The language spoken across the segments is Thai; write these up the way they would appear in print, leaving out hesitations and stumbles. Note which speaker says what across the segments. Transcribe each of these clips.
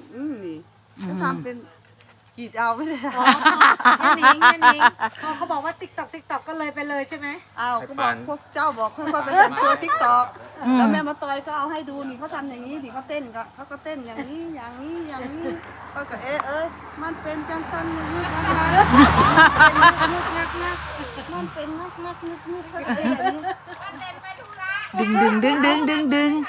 Speaker 1: นี่ก็ทำเป็นกรีดเอาไม่ได้
Speaker 2: ย่านิงเขาบอกว่าติ๊กตอกก็เลยไปเลยใช่ไหม
Speaker 1: เอาก็บอกพวกเจ้าบอกค่อยๆไปแต่งตัวทิกตอกแล้วแม่มาตอยก็เอาให้ดูนี่เขาทำอย่างนี้ดิเขาเต้นก็เขาก็เต้นอย่างนี้อย่างนี้อย่างนี้ก็เอ้ยมันเป็นจังจังนึกงักมันเป็นงักเขาเต้นอย่างนี้
Speaker 3: ดึง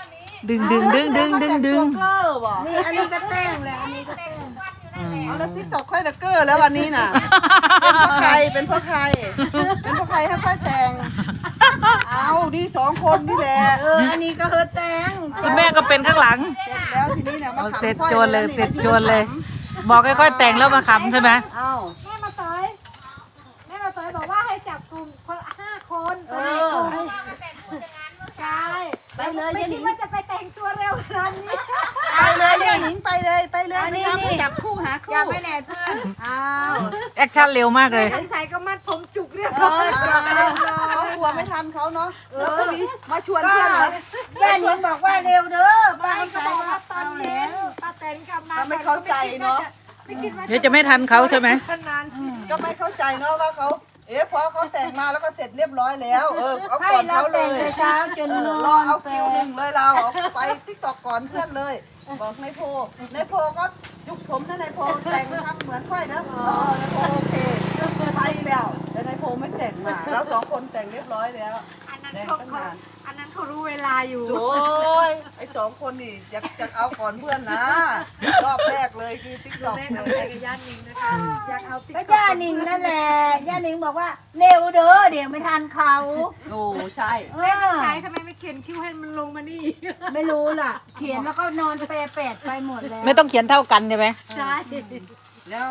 Speaker 2: นี่อันนี้ก็เต้นเลยอันนี้ก็เต้น
Speaker 1: เอาแล้วทิกตอกค่อยตะเกอร์แล้ววันนี้น่ะเป็นเพราะใครให้ค่อยแต่งเอาดี2 คนนี่แหละ
Speaker 2: อันนี้ก็แต่ง
Speaker 3: คุณแม่ก็เป็นข้างหลัง
Speaker 1: เสร็จแล้วทีนี้เนี่ยมา
Speaker 3: เสร็จโจรเลย บอกค่อยๆแต่งแล้วมาขำใช่ไหม
Speaker 1: เอา
Speaker 2: แม่มาต่อยบอกว่าให้จับกลุ่มคน5 คนไปในกลุ่มใช่
Speaker 1: ไปเลย
Speaker 2: ไม่
Speaker 1: ยายห
Speaker 2: คิ
Speaker 1: นิ
Speaker 2: ด
Speaker 1: ง
Speaker 2: ว่าจะไปแต่งตัวเร็วขนาดนี้
Speaker 1: ไปเลยยายหนิงไปเลยไม่จับคู่หาคู่
Speaker 2: จับไปไหนเพื่อน
Speaker 1: อ้าว
Speaker 3: แอคชั่นเร็วมากเลย
Speaker 2: สงสัยก็มัดผมจุกเรียบร้อย
Speaker 1: เขากลัวไม่ทันเขาเนาะแล้วก็มีมาชวนเพื่อนเหรอ
Speaker 2: แม่นิงบอกว่าเร็วเด้อป้าก็บอกว่าตอนเย็นป้าแตนกลับมา
Speaker 1: ก็ไม่เข้าใจเนาะ
Speaker 3: เดี๋ยวจะไม่ทันเขาใช่ไหม
Speaker 2: นาน
Speaker 1: ก็ไม่เข้าใจเนาะว่าเขาพอเขาแต่งมาแล้วก็เสร็จเรียบร้อยแล้วเอาก่อนเขาเลย
Speaker 2: จน
Speaker 1: รอเอาคิวหนึ่งเลยเราไปติ๊กตอกก่อนเพื่อนเลยบอกนายโพก็ยุกผมนะนายโพแต่งทำเหมือนค่อยนะนายโพโอเคไปแล้วแต่นายโพไม่แต่งมาเรา2 คนแต่งเรียบร้อยแล้ว
Speaker 2: อันนั้นเขารู้เวลาอยู่
Speaker 1: โอ้ยไอ้2 คนนี่อยากเอาก่อนเพื่อนนะรอบแรกเลยคือติ๊กตอก
Speaker 2: แม่
Speaker 1: เล
Speaker 2: กับแม่
Speaker 1: ย
Speaker 2: กับย่านิงนะคะอยากเอาติ๊ก
Speaker 4: ก็ย่านิงนั่นแหละย่านิงบอกว่าเร็วเด้อเดี๋ยวไม่ทันเขา
Speaker 1: โอ้ใช่
Speaker 4: เอ
Speaker 2: แม่ต้อง
Speaker 4: อ
Speaker 2: ใช้ทำไมไม่เขียนคิ้วให้มันลงมานี่
Speaker 4: ไม่รู้ล่ะ เขียนแล้วก็นอนเปรแปดไปหมดแล้ว
Speaker 3: ไม่ต้องเขียนเท่ากันใช่ไหม
Speaker 2: ใช่
Speaker 1: แล้ว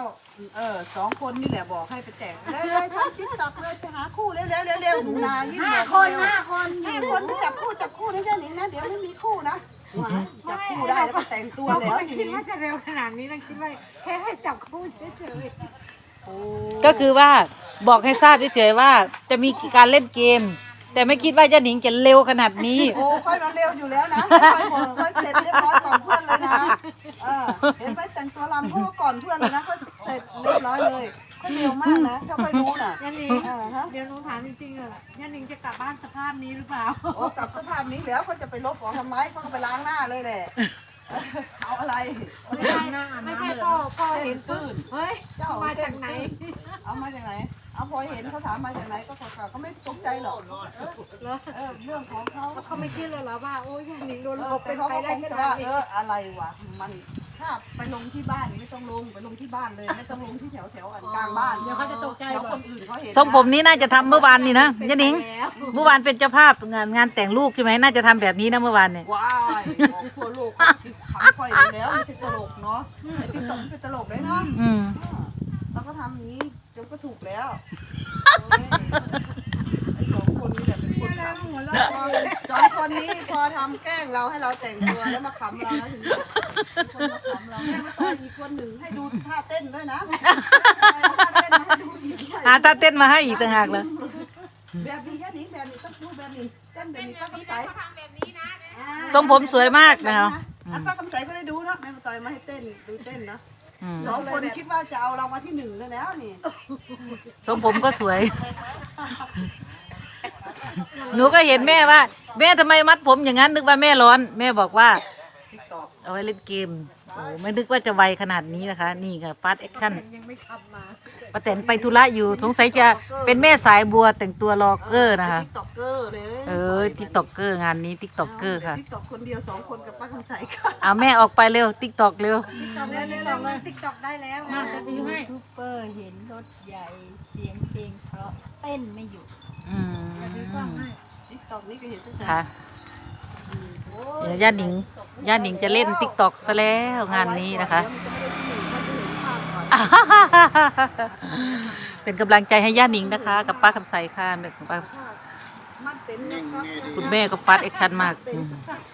Speaker 1: 2 คนนี่แหละบอกให้ไปแต่งเลยทำติ๊กตอกเลยไปหาคู่เร็วหนูนายิ่ง
Speaker 4: 5 คน 5 คน
Speaker 1: 5 คนจับคู่นะเจ้าหนิงนะเดี๋ยวไม่มีคู่นะจับคู่ได้แล้วก็แต่งตัว
Speaker 2: เรา
Speaker 1: แล้ว
Speaker 2: ไม่
Speaker 1: ที
Speaker 2: คิด
Speaker 1: นี้
Speaker 2: ว่าจะเร็วขนาดนี้เราคิดว่าแค่ให้จับคู่เฉย
Speaker 3: ก็คือว่าบอกให้ทราบเฉยๆว่าจะมีการเล่นเกม แต่ไม่คิดว่าจะหนิงจะเร็วขนาดนี้
Speaker 1: โอ้ค่อยมาเร็วอยู่แล้วนะค่อยบอกค่อยเสร็จเรียบร้อยก่อนเพื่อนเลยนะเห็นไหมแต่งตัวรำพวกก่อนเพื่อนเลยนะค่อยเสร็จเรียบร้อยเลยค่อยเร็วมากนะถ้าค่อยรู้น่ะ
Speaker 2: ๆย่านิงเดี๋ยวหนูถามจริงๆย่านิงจะกลับบ้านสภาพนี้หรือเปล่า
Speaker 1: โอ้กลับสภาพนี้แล้วเขาจะไปลบของทำไมเขาก็ไปล้างหน้าเลยแหละเอาอะไร
Speaker 2: ไม่ใช่พ่อเห็นปุ๊บเฮ้ยมาจากไหน
Speaker 1: เอามาจากไหนเอาพอเห็นเขาถามมาจากไหนก็เขาไม่ตกใจหรอกเรื่องของเขา
Speaker 2: เขาไม่คิดเลยเหรอว่าโอ้ยย่านิงโดนหลอก
Speaker 1: แต่
Speaker 2: เป็น
Speaker 1: เขา
Speaker 2: ไป
Speaker 1: ก็
Speaker 2: ได้
Speaker 1: คง
Speaker 2: ข
Speaker 1: จะ
Speaker 2: นา
Speaker 1: ว่า
Speaker 2: ดนี้
Speaker 1: อะไรวะมันถ้าไปลงที่บ้านไม่ต้องลงไปลงที่บ้านเลยไม่ต้องลงที่แถวอันกลางบ้านเดี๋ยวเขาจะตกใจเดี๋ยวคนอื่นเขาเห็น
Speaker 3: ทรงผมนี้น่าจะทำเมื่อวานนี่นะยะหนิงเมื่อวานเป็นเจ้าภาพงานแต่งลูกใช่ไหมน่าจะทำแบบนี้นะเมื่อวานเนี่ย
Speaker 1: ว้ายของทั่วโลกชิบขำค่อยแล้วไม่ใช่ตลกเนาะไอ้ติ๊กต็อกเป็นตลกเลยเนาะ เราก็ทำอย่างนี้เดี๋ยวก็ถูกแล้วไอ้2 คนนี่แหละเป็นคนทำ2 คนนี้พอทำแกล้งเราให้เราแต่งตัวแล้วมาขำเรานะถึงคนมาขำเราแม่มาต่อยอีกคนหนึ่งให้ดูท่าเต้นด้วยนะท่าเต้นมาให้ดูอีก
Speaker 3: ตาเต้นมาให้อีกต่างหากเลย
Speaker 1: แบบนี้แค่นี้แบบนี้ต้องดูแบบนี้เต้นแบบนี้ป้าคำใส
Speaker 3: ทรงผมสวยมากนะครับ
Speaker 1: ป้าคำใสก็ได้ดูนะแม่มาต่อยมาให้เต้นดูเต้นนะ 2 คนคิดว่าจะเอาเรามาที่1แล้วนี่
Speaker 3: ทรงผมก็สวย หนูก็เห็นแม่ว่า แม่ทำไมมัดผมอย่างนั้นนึกว่าแม่ร้อน แม่บอกว่า
Speaker 1: ติ๊กต็อก
Speaker 3: เอาไว้เล่นเกมโอ้ไม่นึกว่าจะไวขนาดนี้นะคะ นี่ค่ะฟาสต์แอคชั่น
Speaker 2: ยังไม่ขับมา
Speaker 3: ป้าแตนไปธุระอยู่สงสัยจะเป็นแม่สายบัวแต่งตัวรอเกอร์นะคะ
Speaker 1: ติ๊กต็อกเกอร์เลย
Speaker 3: ติ๊กต็อกเกอร์งานนี้ติ๊กต็อกเกอร์ค่ะ
Speaker 1: ติ๊กต็อกคนเดียว2 คนกับป้าคำใสค่ะ
Speaker 3: เอาแม่ออกไปเร็วติ๊กต็อกเร็ว
Speaker 2: ตอนนี้เราติ๊กต็อกได้แล้ว
Speaker 4: ยูทูบเบอร์เห็นรถใหญ่เสียงเพลงเพราะเต้นไม่หยุด
Speaker 1: ติ๊กต็อกนี่ก็เห็นตั้งแต่
Speaker 3: ค่ะเดี๋ยวย่าหนิงจะเล่นติ๊กต็อกซะแล้วงานนี้นะคะ เป็นกำลังใจให้ย่าหนิงนะคะ กับป้าคำใสค่ะ
Speaker 1: มันเป็น
Speaker 3: คุณแม่ก็ฟาสต์แอคชั่นมาก